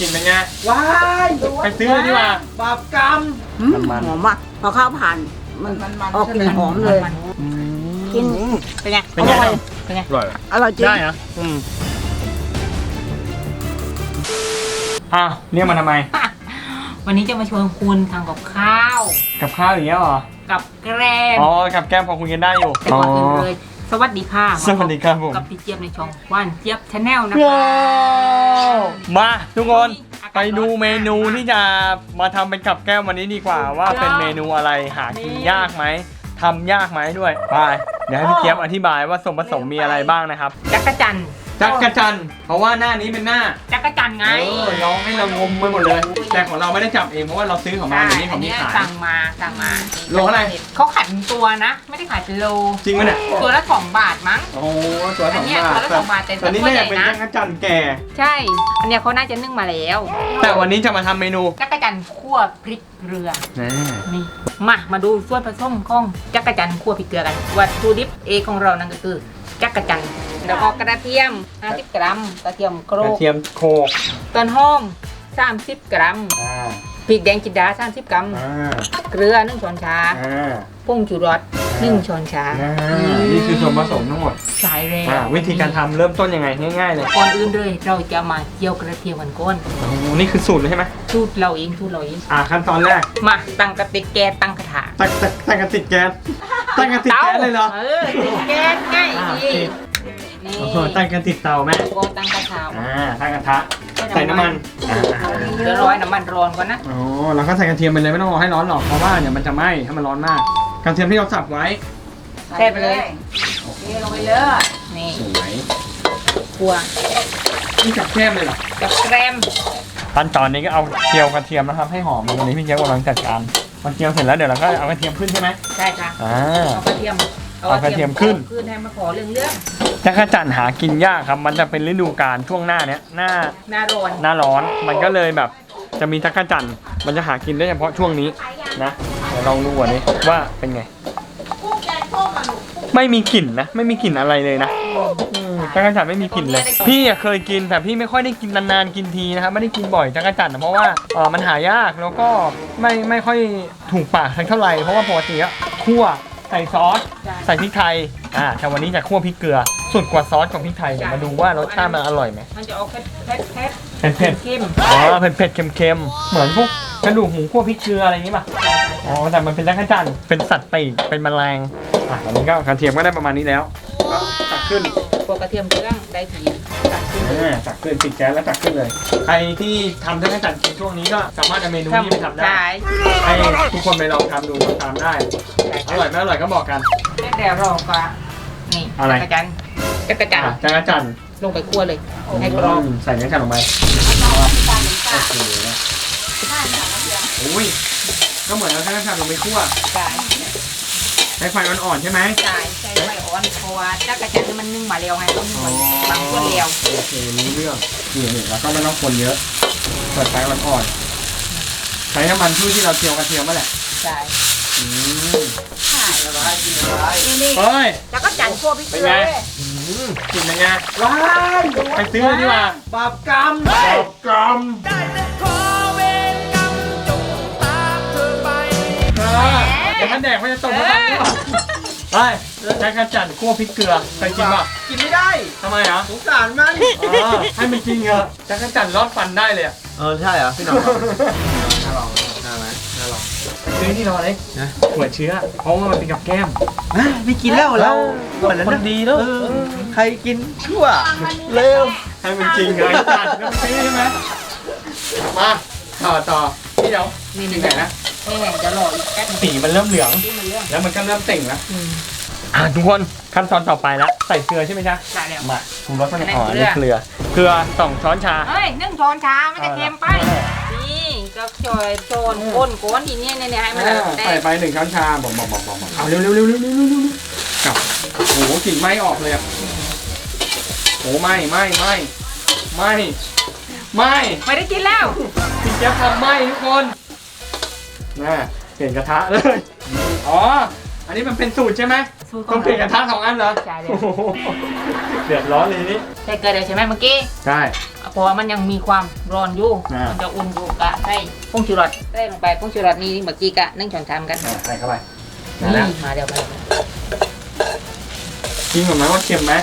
กินเป็นไงว้ายไปซื้อเลยดีกว่าบาปกรรมมันหอมอ่ะพอข้าวผ่านมันออกกลิ่นหอมเลย กินเป็นไงเป็นไงอร่อยเป็นไงอร่อยอร่อยจริงได้นะอ้าวเรียกมาทำไมวันนี้จะมาชวนคุณทำกับข้าวกับข้าวอย่างเงี้ยเหรอกับแกล้มอ๋อกับแก้มพอคุยกันได้อยู่แต่ก่อนอื่นเลย สวัสดีค่ะสวัสดีครับผมกับพี่เจี๊ยบในช่องว่านเจี๊ยบชาแนลนะว้าคะวมาทุกคนไปดูเมนูที่จะมาทำเป็นกับแก้มวันนี้ดีกว่า ว่าเป็นเมนูอะไรหากินยากไหมทำยากไหมด้วยไปเดี๋ยวให้พี่เจี๊ยบอธิบายว่าส่วนผสมมีอะไรบ้างนะครับจักรจันทร์จักรจันทร์เพราะว่าหน้านี้เป็นหน้าจักรจันทร์ไงร้องให้เรางมไปหมดเลย แต่ของเราไม่ได้จับเองเพราะว่าเราซื้อของมาเดี๋ยวนี้อัเขานมีนี้ขายสั่งมาโลเท่าไหร่เขาขายเป็นตัวนะ ไม่ได้ขายเป็นโลจริงไหมเนี่ยตัวละ2 บาทมั้งโอ้โหตัวสอัอน งเนี้ยบาตัวทละ2 บาทแต่ตอนนี้ตัวเนี่ใหยญ่เป็นนะจักรจันทร์แก่ใช่ อันเนี้ยเขาน่าจะนึ่งมาแล้วแต่วันนี้จะมาทำเมนูจักรจันทร์คั่วพริกเกลือนี่นี่มาดูส่วนผสมของจักรจันทร์คั่วพริกเกลือกัน วัตถุดิบเอกของเรานั่นก็คือจักรจันทร์แล้วก็กระเทียม 50 กรัม กระเทียมโครกระกเทียมโคกต้นหอม 30 กรัมอ่าพริกแดงจินดา 30 กรัมอ่าเกลือ 1 ช้อนชาอ่าผงชูรส 1 ช้อนชานี่คือส่วนผสมทั้งหมดใช่เลยวิธีการทำเริ่มต้นยังไงง่ายๆเลยก่อนอื่นเลยเราจะมาเจียวกระเทียมกันก่อนโอ้โหนี่คือสูตรเลยใช่ไหมสูตรเราเองขั้นตอนแรกมาตั้งกระติกแก๊สตั้งกระถางตั้งกระติกแก๊สตั้งกระติกแก๊สเลยเหรอติดแก๊สง่ายอ่าดีติดนี่โอ้โหตั้งกระติกเตาแม่ก็ตั้งกระถางตั้งกระทะใส่น้ำมันเดี๋ยวร้อยน้ำมันร้อนก่อนนะอ๋อแล้วก็ใส่กระเทียมไปเลยไม่ต้องรอให้ร้อนหรอกเพราะว่าเดี๋ยวมันจะไหม้ถ้ามันร้อนมากกระเทียมที่เราสับไว้ใส่ไปเลยเทลงไปเลยนี่สวยคั่วนี่กับแก้มเลยเหรอกับแกรมขั้นตอนนี้ก็เอาเจียวกระเทียมนะครับให้หอมวันนี้พี่เจี๊ยบกำลังจัดการพอเจียวเสร็จแล้วเดี๋ยวเราก็เอากระเทียมขึ้นใช่ไหมใช่ค่ะอ่าเอากระเทียมเอากระเทียมขึ้นให้มาขอเรื่องจักรจั่นหากินยากครับมันจะเป็นฤดูกาลช่วงหน้าเนี้ยหน้าหน้าร้อนหน้าร้อนมันก็เลยแบบจะมีจักรจั่นมันจะหากินได้เฉพาะช่วงนี้นะเดี๋ยวลองดูวันนี้ว่าเป็นไงไม่มีกลิ่นนะไม่มีกลิ่นอะไรเลยนะจักรจั่นไม่มีกลิ่นเลย พี่อะเคยกินแต่พี่ไม่ค่อยได้กินนานๆกินทีนะครับไม่ได้กินบ่อยจักรจั่นเพราะว่ามันหายากแล้วก็ไม่ค่อยถูกปากเท่าไหร่เพราะว่าปกติอะคั่วใส่ซอสใส่พริกไทยแต่วันนี้จะคั่วพริกเกลือสุดกว่าซอสของพริกไทยเดี๋ยวมาดูว่ารสชาติมันอร่อยไหมมันจะออกเผ็ดเผ็ดเข้มอ๋อเผ็ดเค็มๆเหมือนพวกกระดูกหมูคั่วพริกเกลืออะไรอย่างงี้ป่ะอ๋อแต่มันเป็นจักรจั่นเป็นสัตว์ปีกเป็นแมลงตอนนี้ก็กระเทียมก็ได้ประมาณนี้แล้วก็ตักขึ้นพวกกระเทียมเครื่องได้ทีตักขึ้นตักขึ้นปิดแก๊สแล้วตักขึ้นเลยใครที่ทำจักรจั่นกินช่วงนี้ก็สามารถเอาเมนูนี้ไปทำได้ใช่ให้ทุกคนไปลองทำดูตามได้อร่อยไม่อร่อยก็บอกกันแล้วเดี๋ยวเราก็นี่อะไรจักรจันทร์จักรจันทร์จักรจั่นลงไปคั่วเลยให้กรอบใส่จักรจั่นลงไปอุ้ยก็เหมือนเราจักรจั่นลงไปคั่วใช่ใช้ไฟอ่อนๆใช่ไหมใช่ใช่ไฟอ่อนเพราะว่าจักรจันทร์นี่มันนึ่งมาแล้วไงต้องนึ่งมาบางส่วนแล้วโอเครู้เรื่องนี่แล้วก็ไม่ต้องคนเยอะเปิดไฟอ่อนๆใช้น้ำมันพืชที่เราเจียวกระเทียมมาแหละใช่นี่เฮ้ยจักรจันทร์คั่วพริกเป็เกนลืไงอกินเป็นไงว้ายไปซื้อเลยดีกว่าบาปกรรมกรมเดี๋ยวมันแดกมันจะตกมาตังก่อนไปใช้กระจั่นคั่วพริกเกลือเคยกินป่ะกินไม่ได้ทำไมอ่ะสงสารมันให้มันกินเถอะจักรจั่นรอดฟันได้เลยอ่ะใช่เหรอพี่น้องน่าลองน่าไหมน่าลองซื้อที่นอนเลยหัวเชื้อเพราะว่ามันเป็นกับแก้มไม่กินแล้วเราคนดีแล้วใครกินชั่วเร็วให้มันจริงเลยจัดก็ซื้อใช่ไหมมาต่อที่เดี๋ยวนี่ถึนี่งไหนนะนี่จะรออีกแป๊บนึงสีมันเริ่มเหลืองที่มันเรื่องแล้วมันก็เริ่มเต่งแล้วทุกคนขั้นตอนต่อไปแล้วใส่เกลือใช่ไหมจ๊ะได้แล้วมาปรุงรสมันอันนี้อ๋ออันนี่เกเกลืลืออ2 ช้อนชาเฮ้ยนึ่งช้อนชาไม่จะเค็มไปนี่ก็ช่วยโซนก้นทีนี้เนี่ยให้มันแตใส่กไป1 ช้อนชาบอกเอาเร็วกลับโอ้โหกลิ่นไหม้ออกเลยอ่ะโอ้ไหม้ไม่ได้กินแล้วพี่เจี๊ยบทำไหม้ทุกคนน่าเปลี่ยนกระทะเลย อ๋อ อันนี้มันเป็นสูตรใช่ไหมต้องเปลี่ยนกระทะ2 อันเหรอใช่เลยโอ้โหเดือดร้อนเลยนี่ใส่เกลือเดี๋ยวใช่ไหมเมื่อกี้ใช่เอาเพราะว่ามันยังมีความร้อนอยู่อ่ามัมันจะอุ่นอยู่กะใส่ผงชูรสใส่ลงไปผงชูรสนี่เมื่อกี้กะ1 ช้อนชามกันใส่เข้าไปนี่มาเดี๋ยวไปกินก่อนไหมว่าเค็มไหม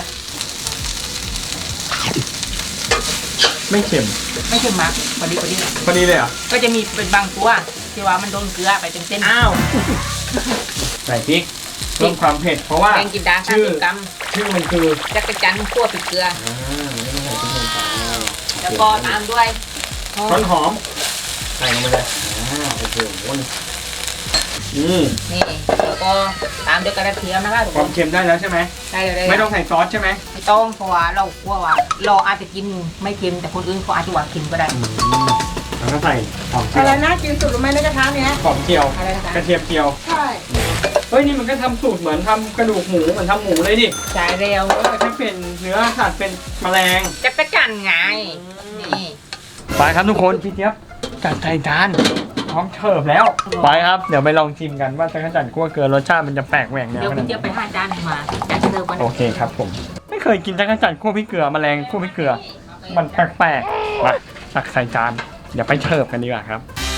ไม่เค็มไม่เค็มมากพอดีพอดีเลยเหรอก็จะมีเป็นบางตัวที่ว่ามันโดนเกลือไปเต็มๆอ้าว ใส่พริกเพิ่มความเผ็ดเพราะว่าแกงกินดาชื่อ 30 กรัมชื่อมันคือจักรจันทร์คั่วพริกเกลือไม่ต้องใส่พริกลงไปแล้วก็ตามด้วยต้นหอมใส่ลงไปเลยโอ้โหนี่นี่แล้วก็ตามด้วยกระเทียมนะคะทุกคความนเค็มได้แล้วใช่ไหมได้เลยไม่ต้องใส่ซอสใช่ไหมไม่ต้องเพราะว่าเรากลัวว่าเราอาจจะกินไม่เค็มแต่คนอื่นเขาอาจจะว่าเค็มก็ได้แล้วก็ใส่หอมเจีอะไรยวนะกินสุดหรือไม่ในกระทะเนี้ยหอมเจียวอะไรนะคะกระเทียมเจียวใช่เฮ้ยนี่มันก็ทำสูตรเหมือนทำกระดูกหมูเหมือนทำหมูเลยดิใช่เร็วแต่แค่เป็นเนื้อสัตว์เป็นแมลงจักรจันทร์ไงนี่ไปครับทุกคนพี่เจี๊ยบจัดใส่จานพร้อมเสิร์ฟแล้วไปครับเดี๋ยวไปลองชิมกันว่าจักรจันทร์คั่วเกลือรสชาติมันจะแปลกแหวกแนวเดี๋ยวขพี่นาดเจี๊ยบไหไปนหาจานมาจัดเสิร์ฟกันโอเคครับผมไม่เคยกินจักรจันทร์คั่วพริกเกลือแมลงคั่วพริกเกลือมันแปลกๆมาตักใส่จานเดี๋ยวไปเสิร์ฟกันดีกว่าครับ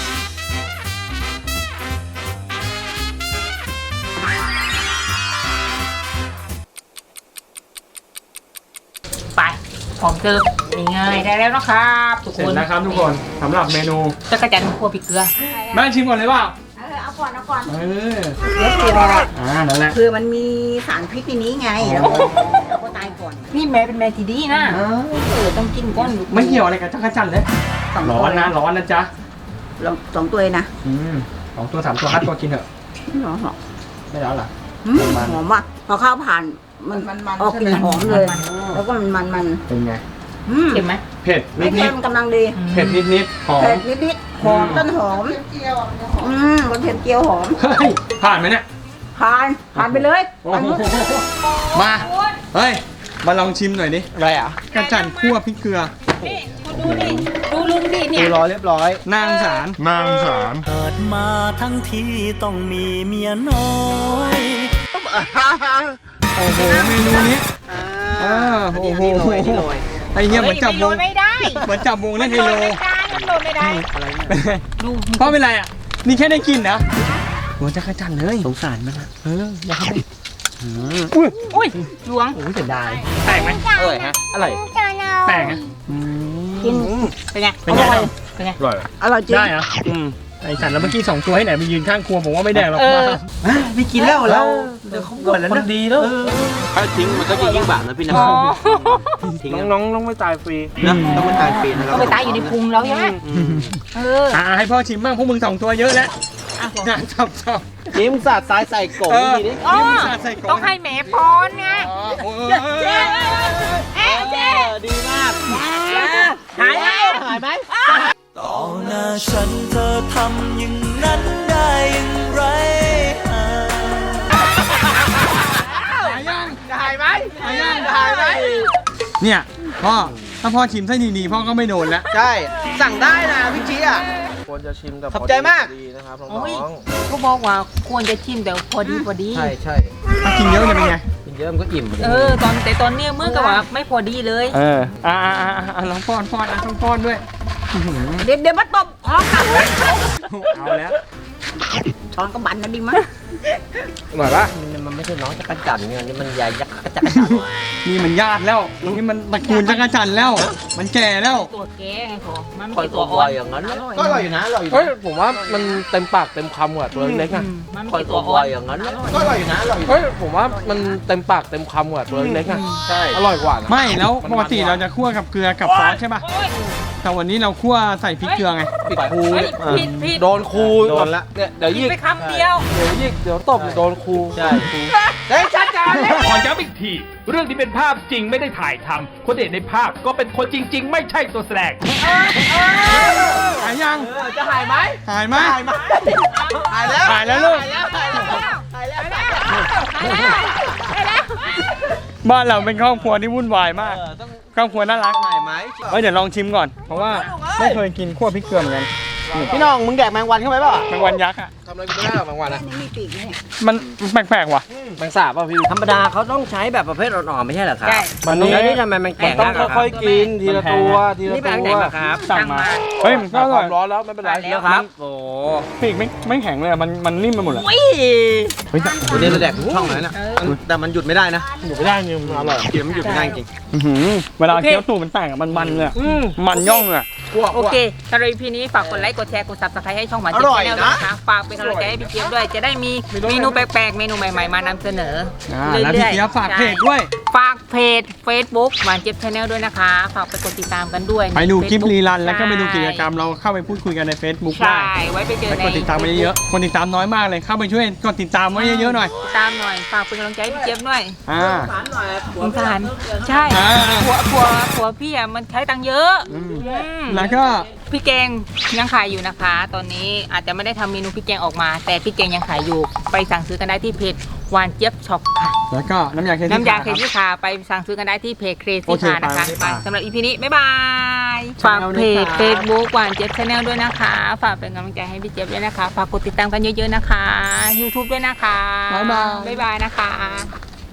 ไปพร้อมเสิร์ฟนี่ไงได้แล้วนะครับทุกเสร็คจนแล้วครับทุกคนสำหรับเมนูจักรจันทร์คั่วพริกเกลือแม่ชิมก่อนเลยเปล่าเอาก่อนเอาก่อนเออเดี๋ยวคืออะไรนั่นแหละคือมันมีสารพิษในนี้ไงเราก็ตายก่อนนี่แม่เป็นแม่ที่ดีนะต้องกินก้อนลูกไม่เกี่ยวอะไรกับจักรจันทร์เลยสองร้ตัอวนนะร้อนนะจ๊ะลองสองตัวเลยนะ 2 ตัว 3 ตัว5 ตัวกินเถอะหอมไม่ร้อนเหรอหอมว่ะพอข้าวผ่านมันออกกลิ่นหอมเลย แล้วก็มันเป็นไงเค็มไหมเผ็ดไม่นิเค็ดมกำลังดีๆเผ็ดนิดๆหอมเผ็ดนิดๆหอมต้นหอมมันเผ็ดเจียวหอมเฮ้ยผ่านไหมเนี่ยผ่านไปเลยโอ้โหมาเฮ้ยมาลองชิมหน่อยดิอะไรอ่ะจักรจันทร์คั่วพริกเกลือนี่คุณดูดิดูลุงดิเนี่ยรอเรียบร้อยนางสารเกิดมาทั้งทีต้องมีเมียน้อยโอ้โหเมนูนี้โอ้โหไอเหี้ยเหมือนจับวงไม่ได้เหมือนจับวงเล่นไฮโลมันโดนไม่ได้ดูเพราะเป็นไรอ่ะนี่แค่ได้กินนะหัวจักรจันทร์เลยสงสารมันอ่ะอยากให้ไปอุ้ยอุ้ยหลวงโอ้ยเสียดายแปลกไหมอร่อยฮะอร่อยแปลกนะกินเป็นไงเป็นไงเป็นไงอร่อยอร่อยจริงได้เหรอไอสัตว์แล้วเมื่อกี้2 ตัวให้ไหนไปยืนข้างครัวผมว่าไม่แดงหรอกมาไม่กินแล้วเราเดี๋ยวเขาบ่นแล้วนะดีแล้วถ้าทิ้งมันก็จะยิ่งบาปนะพี่นะอ๋อทิ้งน้องไม่ตายฟรีนะต้องไม่ตายฟรีนะก็ไปตายอยู่ในพุงแล้วใช่ไหมเออให้พ่อชิมบ้างพวกมึง2 ตัวเยอะแล้วชอบจิ้มสาดซ้ายใส่กบทีนี้อ๋อใส่กล่ต้องให้แม่พรไงดีมากหายไหมหายไหมต่อหน้าฉันเธอทำอย่างนั้นได้อย่างไรหายยังหายไหมหายยังหายไหมเนี่ยพ่อถ้าพ่อชิมไส้ดีๆพ่อก็ไม่โดนแล้วใช่สั่งได้นะพี่ชี้อ่ะควรจะชิมแต่ขอบใจมากดีนะครับน้โอ้ยองก็บอกว่าควรจะชิมแต่พอดีๆใช่ใช่ถ้ากินเยอะจะเป็นไงกินเยอะมันก็อิ่มแต่ตอนเนี้ยมือกับว่าไม่พอดีเลยลองป้อนต้องป้อนด้วยเดี๋ยวมาตบคอกันเอาแล้วช้อนก็บันนะดิมั้ยอร่อยปะมันไม่ใช่น้องจักรจันทร์ไงนี่มันยายยักษ์จักรจันทร์นี่มันญาติแล้วนี่มันตระกูลจักรจันทร์แล้ว มันแก่แล้วตัวแก่ไงผมมันคอยเป็นตัตัว วอ่อ่ออน นอย่างนั้นก็อร่อยอยู่นะอร่อยอยู่เฮ้ยผมว่ามันเต็มปากเต็มคำกว่าตัวเล็กๆอ่ะมันคอยเป็นตัตัว วอ่อ่ออน นอย่างนั้นก็อร่อยอยู่นะอร่อยอยู่เฮ้ยผมว่ามันเต็มปากเต็มคำกว่าตัวเล็กๆอ่ะใช่อร่อยกว่านะไม่แล้วปกติเราจะคั่วกับเกลือกับซอสใช่ป่ะแต่วันนี้เราคั่วใส่พริกเกลือไงปิดครูผิดโดนครูโดนละเนี่ยเดี๋ยวผิยิดกไปคำเดียวเดี๋ยวตบโดนครูใช่เฮ้ยชัดจังขอย้ำอีกที เรื่องที่เป็นภาพจริงไม่ได้ถ่ายทำคนเห็นในภาพก็เป็นคนจริง ๆ ไม่ใช่ตัวแสดงหายยังจะหายไหมหายไหมหายไหมหายแล้วหายแล้วลูกหายแล้วหายแล้วหายแล้วบ้านเราเป็นครอบครัวที่วุ่นวายมากต้องครอบครัวน่ารักหายไหมเดี๋ยวลองชิมก่อน เพราะว่าไม่เคยกินคั่วพริกเกลือเหมือนกันพี่น้องมึงแดกแมงวันเข้าไปเปล่าแมงวันยักษ์อ่ะทำอะไรกูไม่ได้หรอกบางวันนะนี่มีปีกนี่มันแปลกๆว่ะแมงสาบป่ะพี่ธรรมดาเขาต้องใช้แบบประเภทอ่อนๆไม่ใช่เหรอครับใช่แล้วนี่ทำไมมันแก่ต้องมากอะครับค่อยๆกินทีละตัวทีละนี่ไปตัทางไหนวมาครับสั่งมาเฮ้ยมันก็อคร่อวาย มร้อนแล้วไม่เป็นไรแล้วครับ โอ้ปีกไม่แข็งเลยอะมันนิ่มไปหมดเลยยเฮ้ยวันนี้เราแดกทุกช่องเลยนะแต่มันหยุดไม่ได้นะอยู่ไม่ได้เนี่ยมันอร่อยกินมันหยุดไม่ได้จริงอื้อหือเวลาเคี้ยวตูดมันแตกอะมันเลยอะมันย่องเลยอะโอเคสำหรับ EP นี้ฝากกดไลค์กดแชร์กด Subscribe ให้ช่องหวานอเจี๊ยร่บอยแนลนะด้วยนะคะฝากเป็นกำลังใจให้พี่เจี๊ยบด้วยจะได้มีเมนูแปลกๆเมนูใหม่ๆมานำเสนอแล้วพี่เจี๊ยบฝากเพจด้วยฝากเพจ Facebook หวานเจี๊ยบ Channel ด้วยนะคะฝากไปกดติดตามกันด้วยไปดูคลิป Facebook รีรันแล้วก็ไปดูกิจกรรมเราเข้าไปพูดคุยกันใน Facebook ได้ใช่ไว้ไปเจอไปในกดติดตามไปเยอะๆคนติดตามน้อยมากเลยเข้าไปช่วยกดติดตามไว้เยอะๆหน่อยติดตามหน่อยฝากเป็นกำลังใจให้พี่เจี๊ยบด้วยอ่าสงสารใช่อ่าผัวพี่อ่ะมันใช้ตังค์เยอะอืมแล้วก็พี่แกงยังขายอยู่นะคะ ตอนนี้อาจจะไม่ได้ทำเมนูพี่แกงออกมา แต่พี่แกงยังขายอยู่ไปสั่งซื้อกันได้ที่เพจหวานเจี๊ยบช็อปค่ะแล้วก็น้ำยาเคน้ำยาเคครับซี่คาไปสั่งซื้อกันได้ที่เพจเครโอซี่เคคานะคะไปไปสำหรับอีพีนี้ บ๊ายบายฝากเพจครับ Facebook หวานเจี๊ยบชาแนลด้วยนะคะ ฝากเป็นกำลังใจให้พี่เจี๊ยบด้วยนะคะ ฝากกดติดตามกันเยอะๆนะคะ YouTube ด้วยนะคะบ๊ายบายบ๊ายบายนะคะ